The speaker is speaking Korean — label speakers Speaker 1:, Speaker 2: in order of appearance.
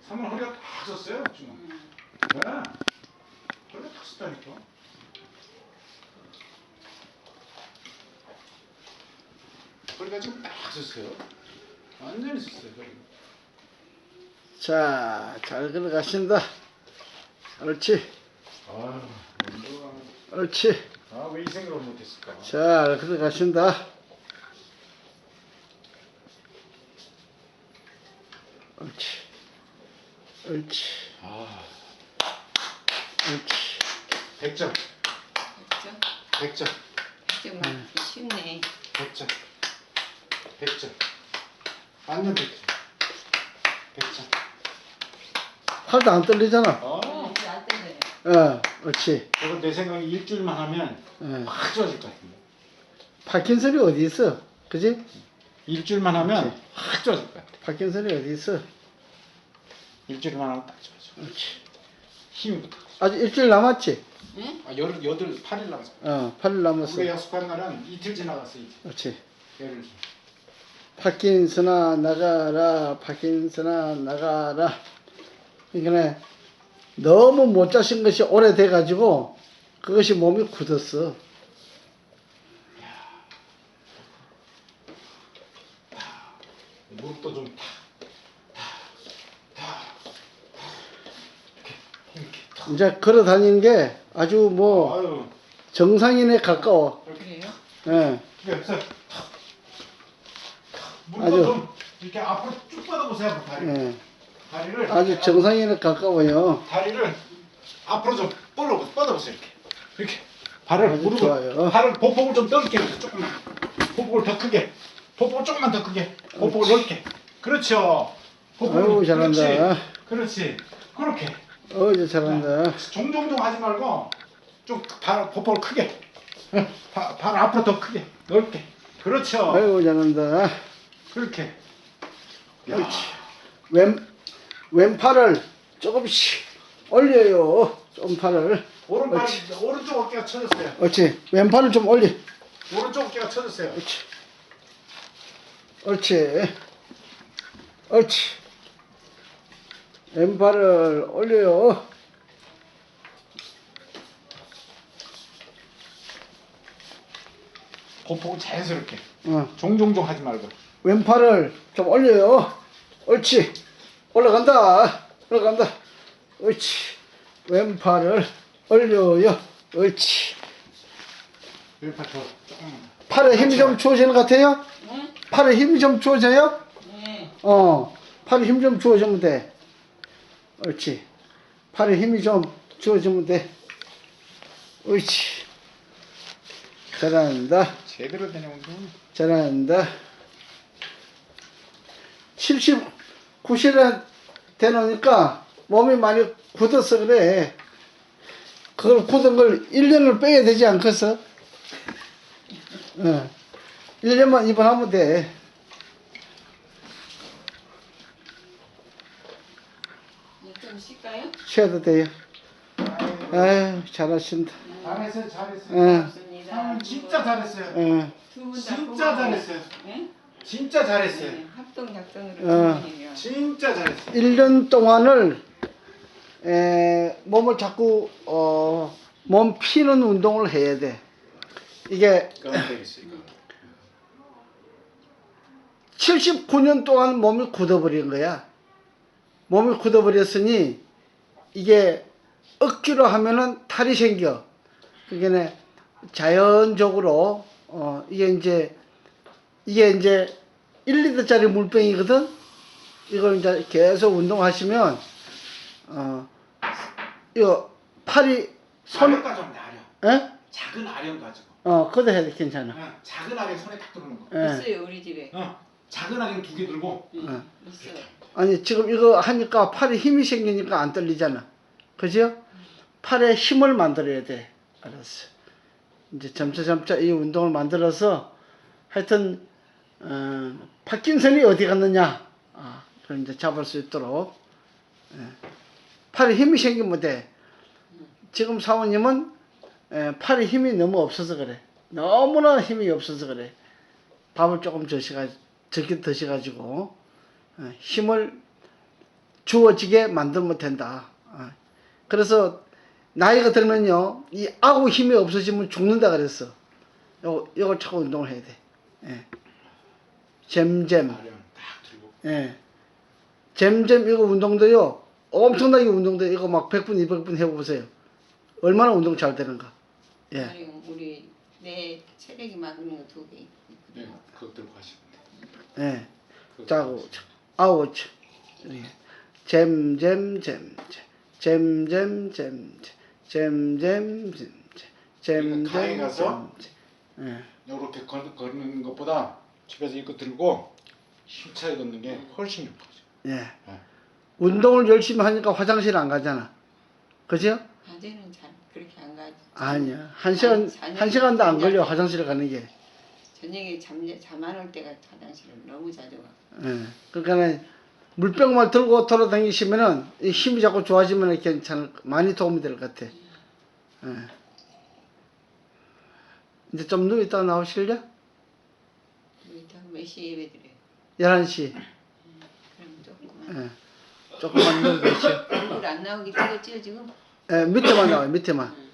Speaker 1: 3월 허리가 탁 섰어요 지금. 네. 허리가 탁 섰다니까. 허리가 지금 딱 섰어요. 완전히 섰어요 허리가.
Speaker 2: 자, 잘 걸어가신다. 옳지.
Speaker 1: 아유, 운동을
Speaker 2: 옳지.
Speaker 1: 왜 이 생각을 못했을까?
Speaker 2: 잘 걸어가신다. 옳지. 옳지. 옳지.
Speaker 1: 100점.
Speaker 3: 100점?
Speaker 1: 100점.
Speaker 3: 100점 맞기 쉽네.
Speaker 1: 100점. 100점. 완전 100점. 100점.
Speaker 2: 팔도 안 떨리잖아.
Speaker 3: 이제 안 땡겨요.
Speaker 2: 옳지.
Speaker 1: 저거 내 생각에 일주일만 하면 확 좋아질 것 같은데.
Speaker 2: 파킨슨이 어디 있어? 그지?
Speaker 1: 일주일만 하면
Speaker 2: 그렇지.
Speaker 1: 확 좋아질 것 같아.
Speaker 2: 파킨슨이 어디 있어?
Speaker 1: 일주일만 하면 딱 좋아져.
Speaker 2: 옳지.
Speaker 1: 힘이 붙어.
Speaker 2: 아직 일주일 남았지?
Speaker 3: 응?
Speaker 1: 8일 남았어.
Speaker 2: 8일 남았어.
Speaker 1: 우리가 약속한 날은 이틀 지나갔어 이제.
Speaker 2: 옳지.
Speaker 1: 열흘.
Speaker 2: 파킨슨아 나가라. 파킨슨아 나가라. 그러니까 너무 못 자신 것이 오래돼 가지고 그것이 몸이 굳었어.
Speaker 1: 무릎도 좀
Speaker 2: 이제 걸어 다니는 게 아주 뭐
Speaker 1: 아유.
Speaker 2: 정상인에 가까워.
Speaker 3: 그래요?
Speaker 2: 예.
Speaker 1: 그래서 무릎도
Speaker 2: 아주-
Speaker 1: 좀 이렇게 앞으로 쭉 뻗어보세요. 다리.
Speaker 2: 예.
Speaker 1: 다리를
Speaker 2: 아주 정상인에 가까워요.
Speaker 1: 다리를 앞으로 좀 뻗어보세요. 이렇게 발을
Speaker 2: 아주
Speaker 1: 무릎을
Speaker 2: 좋아요.
Speaker 1: 발을 보폭을 좀 넓게 해보세요. 조금만 보폭을 더 크게 보폭을 조금만 더 크게 보폭을 넓게. 그렇죠.
Speaker 2: 아이고, 잘한다.
Speaker 1: 그렇지. 그렇게
Speaker 2: 어제 잘한다.
Speaker 1: 종종종 하지 말고 좀 발 보폭을 크게 발 앞으로 더 크게 넓게. 그렇죠.
Speaker 2: 아이고 잘한다.
Speaker 1: 그렇게.
Speaker 2: 그렇지. 왼팔을 조금씩 올려요. 좀 팔을.
Speaker 1: 오른발
Speaker 2: 그렇지.
Speaker 1: 오른쪽 어깨가 쳐졌어요.
Speaker 2: 옳지. 왼팔을 좀 올려.
Speaker 1: 오른쪽 어깨가 쳐졌어요.
Speaker 2: 옳지. 옳지. 옳지. 왼팔을 올려요.
Speaker 1: 보폭을 자연스럽게.
Speaker 2: 어.
Speaker 1: 종종종 하지 말고.
Speaker 2: 왼팔을 좀 올려요. 옳지. 올라간다. 올라간다. 옳지. 왼팔을 올려요. 옳지.
Speaker 1: 왼팔 더 조금.
Speaker 2: 팔에 힘이 좀 주어지는 것 같아요?
Speaker 3: 응?
Speaker 2: 팔에 힘이 좀 주어져요?
Speaker 3: 네.
Speaker 2: 팔에 힘 좀 주어주면 돼. 옳지. 팔에 힘이 좀 주어주면 돼. 옳지. 잘한다.
Speaker 1: 제대로 되는 운동.
Speaker 2: 잘한다. 70, 90에 되놓으니까 몸이 많이 굳어서 그래. 그걸 굳은 걸 1년을 빼야 되지 않겠어? 1년만 입원하면 돼.
Speaker 3: 이제 좀 쉴까요?
Speaker 2: 쉬어도 돼요. 아유, 잘하신다.
Speaker 1: 잘했어요, 잘했어요.
Speaker 3: 고맙습니다.
Speaker 1: 사모님 진짜 잘했어요.
Speaker 3: 두 분 다
Speaker 1: 진짜 잘했어요.
Speaker 3: 네?
Speaker 1: 진짜 잘했어요.
Speaker 3: 네. 합동작전으로
Speaker 2: 어.
Speaker 3: 두 분이면.
Speaker 1: 진짜 잘했어요.
Speaker 2: 1년 동안을 몸을 자꾸 몸 피는 운동을 해야 돼. 이게
Speaker 1: 그건 되겠어 이거.
Speaker 2: 79년 동안 몸이 굳어버린 거야. 몸이 굳어버렸으니 이게 억지로 하면은 탈이 생겨. 그게 자연적으로 이게 이제 1리터짜리 물병이거든. 이걸 이제 계속 운동하시면 이거 팔이
Speaker 1: 아령 가져오면 돼, 아령.
Speaker 2: 에?
Speaker 1: 작은 아령 가지고.
Speaker 2: 그것도 해도 괜찮아.
Speaker 1: 작은 아령 손에 딱 들어오는 거.
Speaker 2: 예.
Speaker 3: 있어요 우리 집에.
Speaker 1: 작은 아령 2개 들고.
Speaker 3: 응. 있어요.
Speaker 2: 아니 지금 이거 하니까 팔에 힘이 생기니까 안 떨리잖아. 그죠? 팔에 힘을 만들어야 돼. 알았어. 이제 점차 이 운동을 만들어서 하여튼 파킨슨이 어디 갔느냐 그걸 이제 잡을 수 있도록 팔에 힘이 생기면 돼. 지금 사모님은 팔에 힘이 너무 없어서 그래. 너무나 힘이 없어서 그래. 밥을 조금 적게 드셔가지고 힘을 주어지게 만들면 된다. 그래서 나이가 들면요, 이 아구 힘이 없어지면 죽는다 그랬어. 요걸 차고 운동을 해야 돼. 예. 잼잼.
Speaker 1: 발령 딱 들고.
Speaker 2: 예. 잼잼 이거 운동도요, 엄청나게 운동돼. 이거 막 100분, 200분 해보세요. 얼마나 운동 잘 되는가. 예.
Speaker 3: 아니, 우리 내 체력이 막는 거 2개.
Speaker 1: 네, 그거 들고 가시면 돼.
Speaker 2: 예.
Speaker 1: 그거
Speaker 2: 자고,
Speaker 1: 들고 가시면
Speaker 2: 아우치. 예. 잼잼잼잼. 잼잼잼잼. 잼잼잼잼.
Speaker 1: 그러니까 가에 가서
Speaker 2: 잼잼잼. 예.
Speaker 1: 이렇게 걷는 것보다 집에서 이거 들고 힘차게 걷는 게 훨씬 좋거든요.
Speaker 2: 예.
Speaker 1: 네.
Speaker 2: 운동을 열심히 하니까 화장실 안 가잖아. 그죠?
Speaker 3: 낮에는 잘 그렇게 안 가지.
Speaker 2: 아니야. 한 시간도 안 걸려, 화장실 가는 게.
Speaker 3: 저녁에 잠 안 올 때가 화장실을 너무 자주 가.
Speaker 2: 예. 그러니까 물병만 들고 돌아다니시면은 이 힘이 자꾸 좋아지면 괜찮을, 많이 도움이 될 것 같아. 예. 이제 좀 누워 있다가 나오실래?
Speaker 3: 이따가 몇 시에 예배 드려요?
Speaker 2: 11시.
Speaker 3: 그럼 조금만.
Speaker 2: 예. 조금만 누워 계시오.
Speaker 3: 얼굴 안 나오게 찍었지요 지금?
Speaker 2: 예, 밑에만 나와요, 밑에만.